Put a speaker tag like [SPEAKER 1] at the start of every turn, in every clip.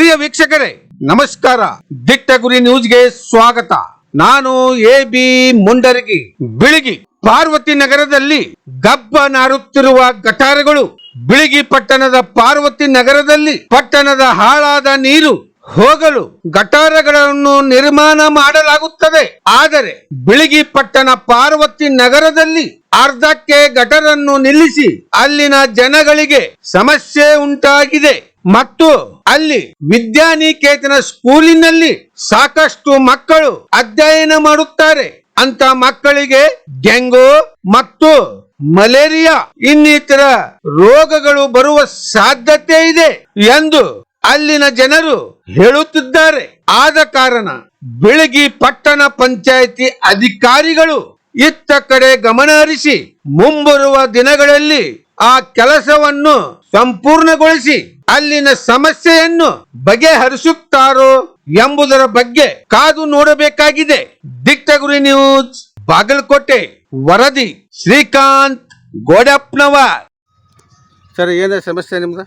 [SPEAKER 1] ಪ್ರಿಯ ವೀಕ್ಷಕರೇ ನಮಸ್ಕಾರ. ದಿಟ್ಟ ಗುರಿ ನ್ಯೂಸ್ಗೆ ಸ್ವಾಗತ. ನಾನು ಎ.ಬಿ. ಮುಂಡರಗಿ. ಬಿಳಿಗಿ ಪಾರ್ವತಿ ನಗರದಲ್ಲಿ ಗಬ್ಬ ನಾರುತ್ತಿರುವ ಗಟಾರಗಳು. ಬಿಳಿಗಿ ಪಟ್ಟಣದ ಪಾರ್ವತಿ ನಗರದಲ್ಲಿ ಪಟ್ಟಣದ ಹಾಳಾದ ನೀರು ಹೋಗಲು ಗಟಾರಗಳನ್ನು ನಿರ್ಮಾಣ ಮಾಡಲಾಗುತ್ತದೆ. ಆದರೆ ಬಿಳಿಗಿ ಪಟ್ಟಣ ಪಾರ್ವತಿ ನಗರದಲ್ಲಿ ಅರ್ಧಕ್ಕೆ ಗಟರನ್ನು ನಿಲ್ಲಿಸಿ ಅಲ್ಲಿನ ಜನಗಳಿಗೆ ಸಮಸ್ಯೆ ಉಂಟಾಗಿದೆ ಮತ್ತು ಅಲ್ಲಿ ವಿದ್ಯಾನಿಕೇತನ ಸ್ಕೂಲಿನಲ್ಲಿ ಸಾಕಷ್ಟು ಮಕ್ಕಳು ಅಧ್ಯಯನ ಮಾಡುತ್ತಾರೆ. ಅಂತ ಮಕ್ಕಳಿಗೆ ಡೆಂಗು ಮತ್ತು ಮಲೇರಿಯಾ ಇನ್ನಿತರ ರೋಗಗಳು ಬರುವ ಸಾಧ್ಯತೆ ಇದೆ ಎಂದು ಅಲ್ಲಿನ ಜನರು ಹೇಳುತ್ತಿದ್ದಾರೆ. ಆದ ಕಾರಣ ಬಿಳಿಗಿ ಪಟ್ಟಣ ಪಂಚಾಯಿತಿ ಅಧಿಕಾರಿಗಳು ಇತ್ತ ಕಡೆ ಗಮನ ಹರಿಸಿ ಮುಂಬರುವ ದಿನಗಳಲ್ಲಿ ಆ ಕೆಲಸವನ್ನು ಸಂಪೂರ್ಣಗೊಳಿಸಿ ಅಲ್ಲಿನ ಸಮಸ್ಯೆಯನ್ನು ಬಗೆಹರಿಸುತ್ತಾರೋ ಎಂಬುದರ ಬಗ್ಗೆ ಕಾದು ನೋಡಬೇಕಾಗಿದೆ. ದಿಟ್ಟ ಗುರಿ ನ್ಯೂಸ್ ಬಾಗಲಕೋಟೆ. ವರದಿ ಶ್ರೀಕಾಂತ್ ಗೋಡಪ್ಪನವರ್.
[SPEAKER 2] ಸರ್, ಏನ ಸಮಸ್ಯೆ ನಿಮ್ದು?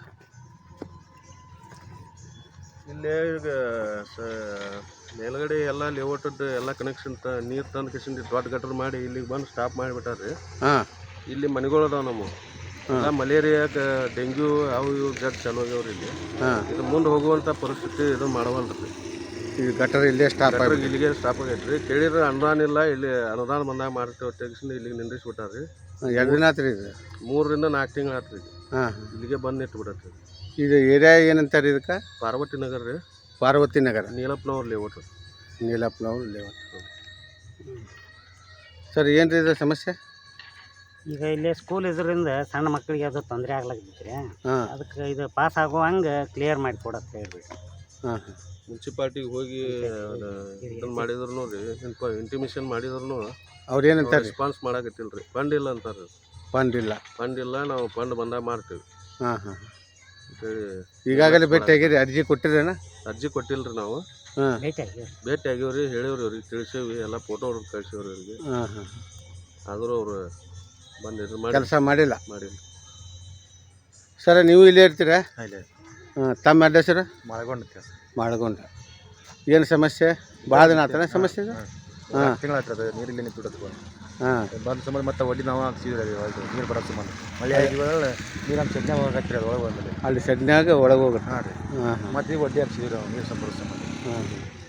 [SPEAKER 3] ಇಲ್ಲೇ ಈಗ ಮೇಲ್ಗಡೆ ಎಲ್ಲ ಲೇಔಟದ್ದು ಎಲ್ಲ ಕನೆಕ್ಷನ್ ನೀರು ತಂದು ಕಿಶನ್ ದೊಡ್ಡ ಗಟರ್ ಮಾಡಿ ಇಲ್ಲಿಗೆ ಬಂದು ಸ್ಟಾಪ್ ಮಾಡಿಬಿಟ್ಟಾರ್ರಿ. ಇಲ್ಲಿ ಮನೆಗಳು ಅದಾವ ನಮ್ಮ ಎಲ್ಲ ಮಲೇರಿಯಾ ಡೆಂಗ್ಯೂ ಅವು ಇವು ಜಡ್ ಚಾಲು ಆಗ್ಯಾವ್ರಿ. ಇಲ್ಲಿ ಇದು ಮುಂದೆ ಹೋಗುವಂಥ ಪರಿಸ್ಥಿತಿ ಇದು ಮಾಡವಲ್ರಿ.
[SPEAKER 2] ಈ ಗಟರ್ ಇಲ್ಲೇ ಸ್ಟಾಪ್ ಆಗಿ
[SPEAKER 3] ಇಲ್ಲಿಗೆ ಸ್ಟಾಪ್ ಆಗೈತ್ರಿ. ಕೇಳಿದ್ರೆ ಅನುದಾನ ಇಲ್ಲ, ಇಲ್ಲಿ ಅನುದಾನ ಬಂದಾಗ ಮಾಡ್ತೇವೆ ತೆಗಿಸಿ ಇಲ್ಲಿಗೆ ನಿಂದಿಸ್ಬಿಟ್ಟಾರ್ರಿ.
[SPEAKER 2] 2 ದಿನ ಆತ್ರಿ ಇದು?
[SPEAKER 3] 3 ರಿಂದ 4 ತಿಂಗಳು ಆತ್ರಿ. ಇಲ್ಲಿಗೆ ಬಂದು ಇಟ್ಬಿಡತ್ರಿ.
[SPEAKER 2] ಇದು ಏರಿಯಾ ಏನಂತಾರೆ ಇದಕ್ಕೆ?
[SPEAKER 3] ಪಾರ್ವತಿ ನಗರ ರೀ.
[SPEAKER 2] ಪಾರ್ವತಿ ನಗರ,
[SPEAKER 3] ನೀಲಪ್ಪನವ್ರ ಲೇಔಟ್.
[SPEAKER 2] ನೀಲಪ್ಪನವ್ರ ಲೇಔಟ್. ಸರ್, ಏನ್ರಿ ಇದು ಸಮಸ್ಯೆ?
[SPEAKER 4] ಈಗ ಇಲ್ಲಿ ಸ್ಕೂಲ್ ಇದರಿಂದ ಸಣ್ಣ ಮಕ್ಕಳಿಗೆ ಅದು ತೊಂದರೆ ಆಗ್ಲಾಕೈತ್ರಿ. ಅದಕ್ಕೆ ಇದು ಪಾಸ್ ಆಗೋ ಹಂಗೆ ಕ್ಲಿಯರ್ ಮಾಡಿ ಕೊಡತ್ತೆ ಹೇಳ್ಬಿಟ್ಟು
[SPEAKER 3] ಮುನ್ಸಿಪಾಲ್ಟಿಗೆ ಹೋಗಿ ಇದನ್ನು ಮಾಡಿದ್ರು ರೀ, ಇಂಟಿಮೇಷನ್ ಮಾಡಿದ್ರು
[SPEAKER 2] ಅವ್ರು ಏನಂತಾರೆ?
[SPEAKER 3] ರೆಸ್ಪಾನ್ಸ್ ಮಾಡಾಕತ್ತಿಲ್ರಿ. ಫಂಡ್ ಇಲ್ಲ ಅಂತಾರೆ.
[SPEAKER 2] ಫಂಡ್ ಇಲ್ಲ,
[SPEAKER 3] ನಾವು ಫಂಡ್ ಬಂದಾಗ ಮಾಡ್ತೀವಿ ಅಂತೇಳಿ.
[SPEAKER 2] ಈಗಾಗಲೇ ಭೇಟಿ ಆಗಿರಿ? ಅರ್ಜಿ ಕೊಟ್ಟಿರೇನ?
[SPEAKER 3] ಅರ್ಜಿ ಕೊಟ್ಟಿಲ್ರಿ ನಾವು. ಭೇಟಿ ಆಗ್ಯಾವ್ರಿ, ಹೇಳಿವ್ರಿ ಅವ್ರಿಗೆ, ತಿಳಿಸೇವಿ, ಎಲ್ಲ ಫೋಟೋ ಅವ್ರಿಗೆ ಕಳಿಸೇವ್ರಿ ಅವ್ರಿಗೆ. ಆದರೂ ಅವರು ಬಂದು
[SPEAKER 2] ಕೆಲಸ ಮಾಡಿಲ್ಲ. ಸರ್, ನೀವು ಇಲ್ಲೇ ಇರ್ತೀರಾ? ತಮ್ಮ ಅಡ್ರೆಸ್ ಸರ್? ಮಾಡಗೊಂಡ. ಏನು ಸಮಸ್ಯೆ? ಭಾಳ ದಿನ ಆತನ ಸಮಸ್ಯೆ?
[SPEAKER 5] ತಿಂಗಳಾಗ್ತದೆ ನೀರಿಲ್ಲಿ ನಿಂತು ಬಂದ ಸಂಬಂಧ ಮತ್ತೆ ಒಡ್ಡಿ ನಾವು ಹಾಕ್ಸಿದ್ರಿ. ನೀರು ಬರೋ ಸಂಬಂಧ ಮಳೆ ಆಗಿದ್ಮೇಲೆ ನೀರು ಸೆಡ್ನ್ಯಾಗ ಹೋಗತ್ರಿ. ಅದು ಒಳಗೆ ಬಂದಲ್ಲಿ
[SPEAKER 2] ಅಲ್ಲಿ ಸೆಡ್ನ್ಯಾಗ ಒಳಗೆ ಹೋಗುತ್ತೆ.
[SPEAKER 5] ಹಾಂ ರೀ. ಮತ್ತೆ ಒಡ್ಡಿ ಹಾಕ್ಸಿದ್ರಿ ನೀರು ಸಂಬಂಧ.